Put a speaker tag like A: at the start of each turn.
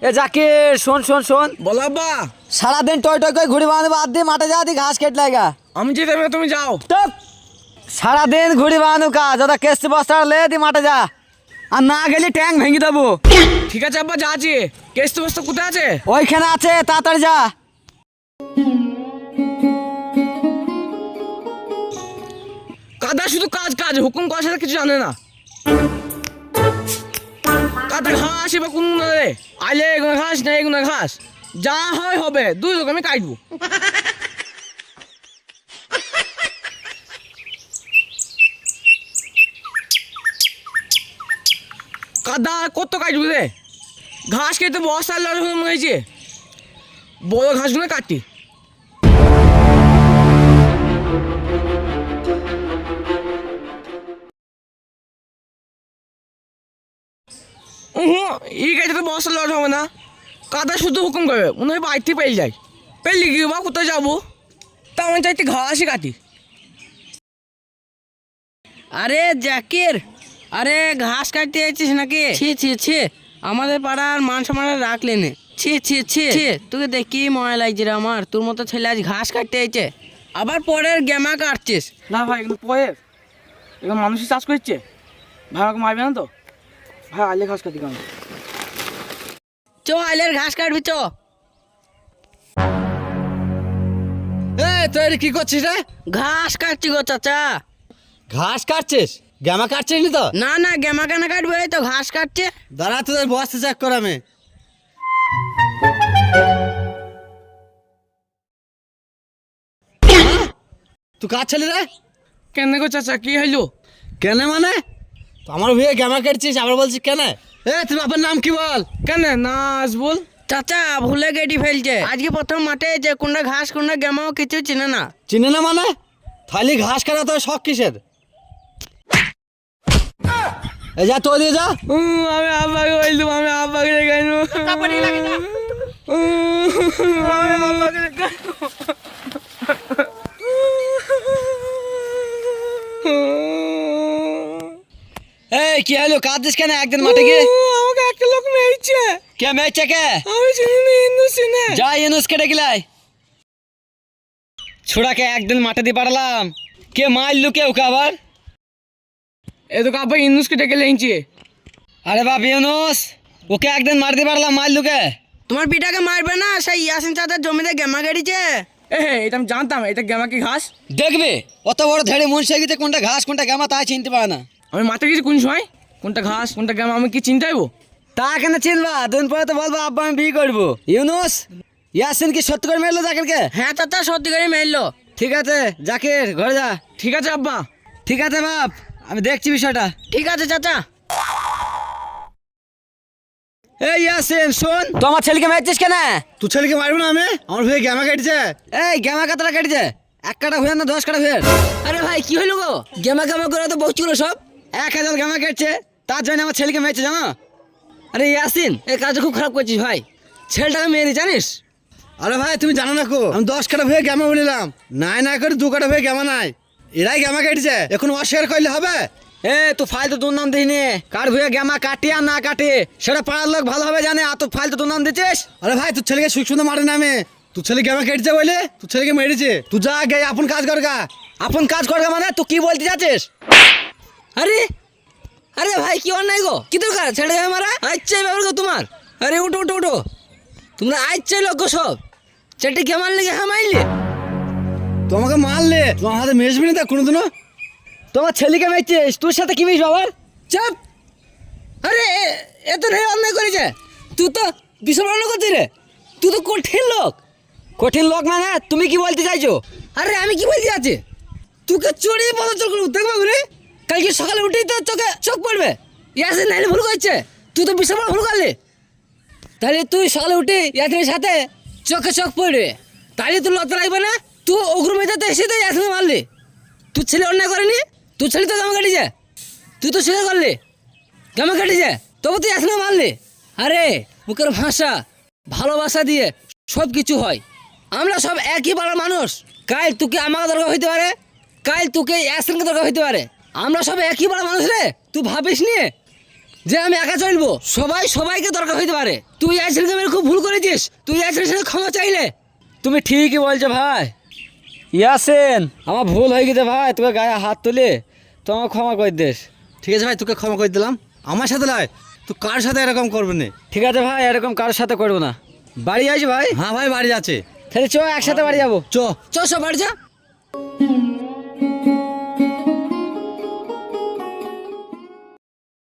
A: এ জাকির শোন শোন শোন,
B: বলো আব্বা।
A: সারাদিন টয় টয় করে ঘুড়ি বাঁধে বাদ দিয়ে মাঠে যা দি ঘাস কেটে লাগা।
B: আমি যেতে হবে, তুমি যাও।
A: টপ সারাদিন ঘুড়ি বাঁধু কাজ, ওটা কেস্তি বস্তা লে দি মাঠে যা, আর না গেলে ট্যাং ভেঙে দেবো।
B: ঠিক আছে আব্বা, যাচ্ছি। কেস্ত বস্তা কোথায় আছে?
A: ওইখানে আছে, তাড়াতাড়ি যা।
B: কাদা শুধু কাজ কাজ, হুকুম করার সাথে কিছু জানে না। কাদা ঘাস এবার কোন রে আইলে এগুলো ঘাস না এগুলো ঘাস, যা হয় হবে, দুই লোক আমি কাটবো। কাদা কত কাটবো রে? ঘাস কেটে বস্তা হয়েছে, বড় ঘাসগুলো কাটি। এই গাড়িতে তো বস্তা লট হবে না, কাদা শুধু হুকুম করবে, মনে হয় বাড়িতে পেয়ে যায়। পেলে গিয়ে বা কোথায় যাবো, তা আমি চাইতে ঘাসই কাটি।
C: আরে জাকির, আরে ঘাস কাটতে যাচ্ছিস নাকি? ছি ছি ছি, আমাদের পাড়ার মান সম্মান রাখলে নে। ছি ছি ছি ছি, তোকে দেখি মজা লাগছে রে আমার, তোর মতো ছেলে আজ ঘাস কাটতে যাচ্ছে, আবার পরের গেমা কাটছিস।
B: না ভাই, এগুলো পরে এগুলো মানুষই চাষ করছে ভাই, আমাকে মারবে না তো ভাই? আইলে ঘাস কাটি কেন?
C: চ আইলের ঘাস কাটবি চ।
A: তুই কি করছিস রে?
C: ঘাস কাটছি গো চাচা।
A: ঘাস কাটছিস? গ্যামা কাটছিস নি তো?
C: না না, গেমা কেন কাটবে, এই তো ঘাস কাটছে।
A: দাঁড়া, তোদের বস্তা চেক কর আমি। তুই কাজ ছেলে রে?
B: কেন গো চাচা, কি হইলো?
A: কেন মানে? তো আমার ভুয়ে গ্যামা কাটছিস, আবার বলছিস কেন? তোর বাপের নাম কি বল?
B: কেন নাচ বল।
C: চাচা ভুলে গেটি ফেলছে, আজকে প্রথম মাঠে যে কোনটা ঘাস কোনটা গেমাও কিছু চিনে না।
A: চিনে না মানে? থালি ঘাস কাটা তোর শখ কিসের? এই যা, তো দিয়ে যা।
B: আমি আব্বাকে বললাম, আমি আব্বাকে দেখাইন, আমি আব্বাকে দেখাইন।
A: এই কি হলো, কাঁদছিস কেন? একদিন মাঠে গিয়ে
B: আমাকে একটা লোক মেরেছে।
A: কে মেয়েছে কে?
B: আমি চিনি না, হিন্দু চিনে।
A: যা ইউনুস কেটে গেলাই। ছোড়াকে একদিন মাঠে দিয়ে পাঠালাম, কে মারলু কে ওকে আবার?
B: এ তো আব্বা ইন্দুসকে ডেকে লেগেছে।
A: আরে বাপ ইউনুস, ওকে একদিন মার দিয়ে পারলাম, মারলু কে?
C: তোমার পিঠাকে মারবে না, সেই ইয়াসিন চাচার জমিতে গেমা গাড়িছে।
B: এটা আমি জানতাম, এটা গেমা কি ঘাস?
A: দেখবে অত বড় ধেড়ে মনসে গেছে, কোনটা ঘাস কোনটা গামা তাই চিনতে পারে না।
B: আমি মাঠে গেছি কোন সময়, কোনটা ঘাস কোনটা গেমা আমি কি চিন্তাইবো?
A: তা কেন চিনবা? দুদিন পরে তো বলবো আব্বা আমি বিয়ে করবো। ইউনুস, ইয়াসিন কি সত্যি করে মেরলো জাকিরকে?
C: হ্যাঁ চাচা, সত্যি করে মেরলো।
A: ঠিক আছে জাকির, ঘরে যা।
B: ঠিক আছে আব্বা।
A: ঠিক আছে বাপ, আমি দেখছি বিষয়টা।
C: ঠিক আছে চাচা।
A: এই ইয়াসিন শোন, তো আমার ছেলেকে মারছিস কেন? তুই ছেলেকে মারবো না আমি? আমার ভুয়ে গ্যামা কাটছে। এই গ্যামা কাতরা কাটছে, 1 কাটা ভুয়ে না 10 কাটা ভুয়ে?
C: আরে ভাই কি হলো গো, গেমা গেমা করে তো বকছিল সব।
A: 1000 গ্যামা কাটছে, তার জন্য আমার ছেলেকে মেরেছে জানো?
C: আরে ইয়াসিন, এই কাজটা খুব খারাপ করছিস ভাই, ছেলেটাকে মেরে জানিস?
A: আরে ভাই তুমি জানো না কো, আমি 10 কাটা ভুয়ে গ্যামা বলিলাম, নাই না করে 2 কাটা ভুয়ে গ্যামা নাই, এরাই গ্যামা কাটছে। এখন অস্বীকার করলে হবে? তো ফালতু তোর নাম দিইনি, কার ভুয়ে গ্যামা কাটি আর না কাটি সেটা পাড়ার লোক ভালোভাবে জানে, আর তো ফালতু তোর নাম দিচ্ছিস। আরে ভাই তোর ছেলেকে সুন্দর মারে না আমি, তোর ছেলে গ্যামা কেটেছে বলে তোর ছেলেকে মেরেছে। তুই যা গে আপন কাজ করগা। আপন কাজ করগা মানে তুই কি বলতে যাচ্ছিস?
C: আরে আরে ভাই কি অন্যায় গো, কি দরকার ছেড়ে মারা? আচ্ছা ব্যাপার গো তোমার। আরে উঠো উঠো উঠো, তোমরা আচ্ছা লোক গো সব, ছেলেটি কে মারলে কে? হ্যাঁ মারলে
A: তোমাকে মারলে তোমার হাতে মেশবি না তা কোনোদিনও? তোমার ছেলেকে মেরেছিস, তোর সাথে কি মিশবো আবার?
C: চাপ। আরে এ তো রে অন্যায় করেছে, তুই তো বিশাল অন্যায় করছিস রে, তুই তো কঠিন লোক।
A: কঠিন লোক মানে তুমি কি বলতে চাইছো?
C: আরে আমি কি বলতে যাচ্ছি, তোকে চড়িয়ে পদচল করবো দেখবো রে, কালকে সকালে উঠেই তো চোখে চোখ পড়বে। ইয়াসিন নাইলে ভুল করছে, তুই তো বিশাল বড় ভুল করলি। তাহলে তুই সকালে উঠে ইয়াসিনের সাথে চোখে চোখ পড়বে, তাহলে তোর লজ্জা লাগবে না? তুই অগ্রমেধাতে এসে তো ইয়াসিনকে মারলি, তুই ছেলে অন্যায় করেনি, তুই ছেলে তো গামা কাটিছে, তুই তো স্বীকার করলি গামা কাটিছে, তবু তুই ইয়াসিনকে মারলি। আরে মুখের ভাষা ভালোবাসা দিয়ে সব কিছু হয়, আমরা সব একই পাড়ার মানুষ। কাল তোকে আমাকে দরকার হইতে পারে, কাল তোকে ইয়াসিনকে দরকার হইতে পারে, আমরা সব একই পাড়ার মানুষ রে, তুই ভাবিস নি? যে আমি একা চলবো, সবাই সবাইকে দরকার হইতে পারে। তুই আইসির মেরে খুব ভুল করেছিস, তুই আইসির সাথে ক্ষমা চাইলে।
A: তুমি ঠিকই বলছো ভাই। ইয়াসিন, আমার ভুল হয়ে গেছে ভাই, তোকে গায়ে হাত তুলে তো আমার ক্ষমা করে দিস। ঠিক আছে ভাই, তোকে ক্ষমা করে দিলাম। আমার সাথে নয়, তুই কার সাথে এরকম করবি না। ঠিক আছে ভাই, এরকম কার সাথে করবো না। বাড়ি আইস ভাই? হ্যাঁ ভাই, বাড়ি আছে। তাহলে চ একসাথে বাড়ি যাবো। চ
C: চল সব বাড়ি যা।